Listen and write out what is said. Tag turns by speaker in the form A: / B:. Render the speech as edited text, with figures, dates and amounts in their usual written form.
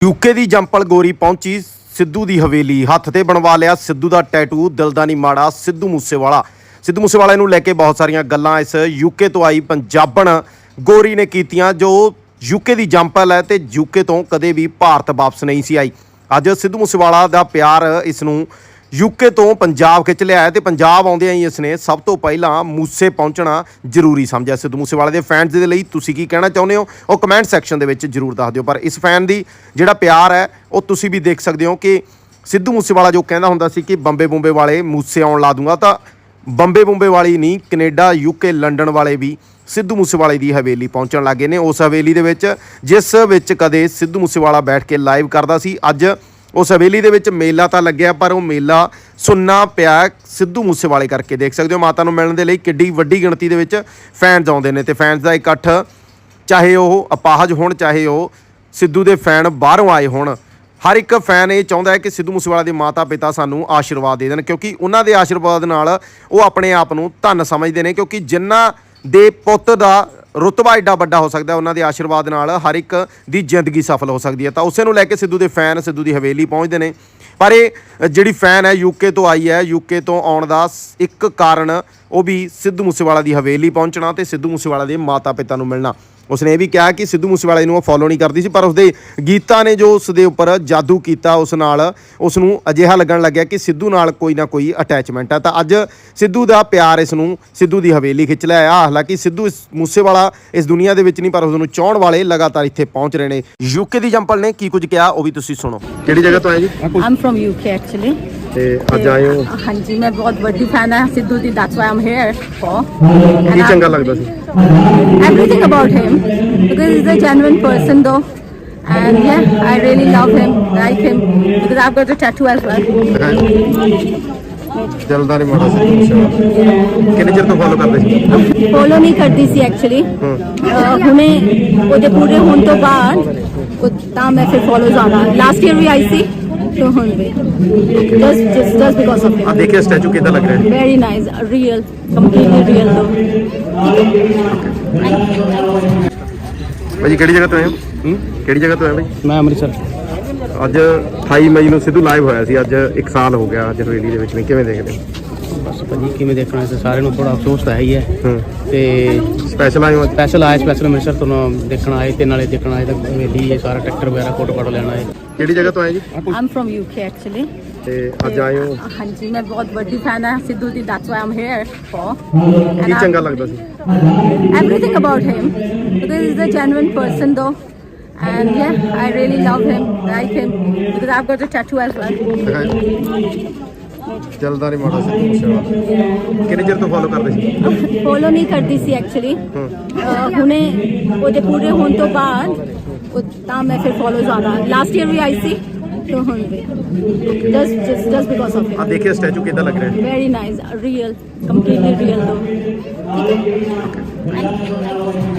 A: UK दी जंपल गोरी पहुंची सिद्धू दी हवेली। हत्थ ते बनवा लिया सिद्धू दा टैटू। दिल दा नहीं माड़ा सिद्धू मूसेवाला नूं लैके बहुत सारियां गल्लां इस यूके तो आई पंजाबण गोरी ने कीतियां जो यूके दी जंपल है ते यूके तो कदे भी भारत वापस नहीं सी आई। अज सिद्धू मूसेवाला दा प्यार इसनूं यूके तो पंजाब खिच लिया है। तो पंजाब आउंदियां ही इसने सब तो पहला मूसे पहुंचना जरूरी समझा। सिद्धू मूसेवाले दे फैनस दे लई तुसीं की कहना चाहुंदे हो वो कमेंट सैक्शन दे विच जरूर दस दिओ। पर इस फैन दी जिहड़ा प्यार है वो तुसीं भी देख सकदे हो कि सिद्धू मूसेवाला जो कहंदा हुंदा सी कि बंबे बुंबे वाले मूसे आउण ला दूंगा, तो बंबे बुंबे वाली नहीं कनेडा यूके लंडन वाले भी सिद्धू मूसेवाले की हवेली पहुंचण लगे ने। उस हवेली दे विच जिस विच कदे सिद्धू मूसेवाला बैठ के लाइव करदा सी, अज उस हवेली दे विच मेला तो लग्या पर वह मेला सुन्ना पिया सिद्धू मूसेवाले करके। देख सकते हो माता नूं मिलण दे लई किड्डी वड्डी गिणती दे विच फैनस आउंदे ने। ते फैनस दा इकट्ठ चाहे वह अपाहज होण चाहे वह सिद्धू दे फैन बाहरों आए होण, हर एक फैन ये चाहुंदा है कि सिद्धू मूसेवाले दे माता पिता सानूं आशीर्वाद दे देण, क्योंकि उन्हां दे आशीर्वाद नाल वो अपने आप नूं धन समझदे ने। क्योंकि जिन्हां दे पुੱਤ दा रुतबा एडा वड्डा हो सकता है, उन्होंने दे आशीर्वाद नाल हर एक दी जिंदगी सफल हो सकती है। तो उसे नूं लैके सिद्धू दे फैन सिद्धू दी हवेली पहुँचते हैं। पर ये जिहड़ी फैन है यूके तो आई है, यूके तो आउण दा एक कारण वो भी सिद्धू मूसेवाला दी हवेली पहुँचना ते सिद्धू मूसेवाला दे माता पिता नूं मिलना। उसने ये भी कहा कि सिद्धू मूसेवाले नूं फॉलो नहीं करती सी, पर उसदे गीतां ने जो उसदे उपर जादू किया उस नाल उसनूं अजिहा लगन लग्या कि सिद्धू नाल कोई ना कोई अटैचमेंट है। तो अज सिद्धू दा प्यार इसनूं सिद्धू दी हवेली खिच लिया। हालांकि सिद्धू मूसेवाला इस दुनिया दे विच नहीं, पर उसनूं चाहण वाले लगातार इत्थे पहुंच रहे हैं। यूके दी जंपल ने की कुछ कहा वो भी तुसीं सुणो। किहड़ी जगह तो आए जी?
B: I am from UK actually.
A: ते अज आए हो?
B: हाँ जी, मैं बहुत बड़ी फैन है सिद्धू दी, that's why I am here for.
A: की चंगा लगदा सी?
B: Everything about him because he's a genuine person though, and yeah, I really love him, like him because I've got a tattoo as well.
A: दिलदा नहीं माड़ा सिद्धू मूसेवाला किन्ने चिर तो फॉलो करदे सी?
B: Follow नहीं करती सी एक्चुअली, हुणे ਉਹਦੇ ਪੂਰੇ ਹੋਣ ਤੋਂ ਬਾਅਦ ਤਾਂ ਮੈਂ ਫਿਰ ਫॉलो ਜਾਣਾ। लास्ट ईयर भी आई सी तो ਹੁਣ भी just because of him।
A: आ देखिए स्टैचू कितना लग रहा है?
B: Very nice, real, completely real though।
A: भाई ਕਿਹੜੀ ਜਗ੍ਹਾ ਤੋਂ ਆਏ ਹੋ? ਕਿਹੜੀ ਜਗ੍ਹਾ ਤੋਂ ਆਏ ਭਾਈ?
C: मैं अमृतसर।
A: ਅੱਜ 28 ਮਈ ਨੂੰ ਸਿੱਧੂ ਲਾਈਵ ਹੋਇਆ ਸੀ, ਅੱਜ 1 ਸਾਲ ਹੋ ਗਿਆ ਅੱਜ ਹਵੇਲੀ ਦੇ ਵਿੱਚ ਨੇ, ਕਿਵੇਂ ਦੇਖਦੇ ਹੋ?
C: बस भाजी किमें देखना है सारे ਨੂੰ थोड़ा अफसोस तो है ही है ਤੇ
A: ਸਪੈਸ਼ਲ ਆਏ ਹੋ ਅੱਜ?
C: स्पैशल अमृतसर ਤੋਂ ਦੇਖਣ ਆਏ ਤੇ ਨਾਲੇ ਦੇਖਣ ਆਏ ਤਾਂ ਹਵੇਲੀ ਇਹ ਸਾਰਾ ਟਰੈਕਟਰ ਵਗੈਰਾ ਫੋਟੋ ਲੈਣਾ ਹੈ।
A: ਕਿਹੜੀ ਜਗ੍ਹਾ ਤੋਂ ਆਏ ਜੀ?
B: I am from UK actually.
A: ਤੇ ਅੱਜ ਆਏ ਹੋ?
B: हाँ जी, मैं बहुत बड़ी फैन है सिद्धू दी, that's why I am here for.
A: ਕੀ ਚੰਗਾ ਲੱਗਦਾ ਸੀ?
B: Everything about him because he's a genuine person though, and yeah, I really love him, like him because I've got a tattoo as well।
A: ਚੱਲਦਾ ਨਹੀਂ ਮਾੜਾ ਸਿੱਧੂ मूसेवाला ਕਿੰਨੇ ਚਿਰ ਤੋਂ ਫॉलो ਕਰਦੇ ਸੀ?
B: फॉलो नहीं करती सी एक्चुअली, ਹੁਣੇ ਉਹਦੇ ਪੂਰੇ ਹੋਣ ਤੋਂ ਬਾਅਦ ਤਾਂ ਮੈਂ ਫਿਰ ਫॉलो ਜਾਣਾ। लास्ट ईयर भी आई सी तो ਹੁਣ ਵੀ just because of
A: ਆ
B: him।
A: ਦੇਖिए स्टैचू कितना लग रहा है?
B: Very nice, real, completely real though।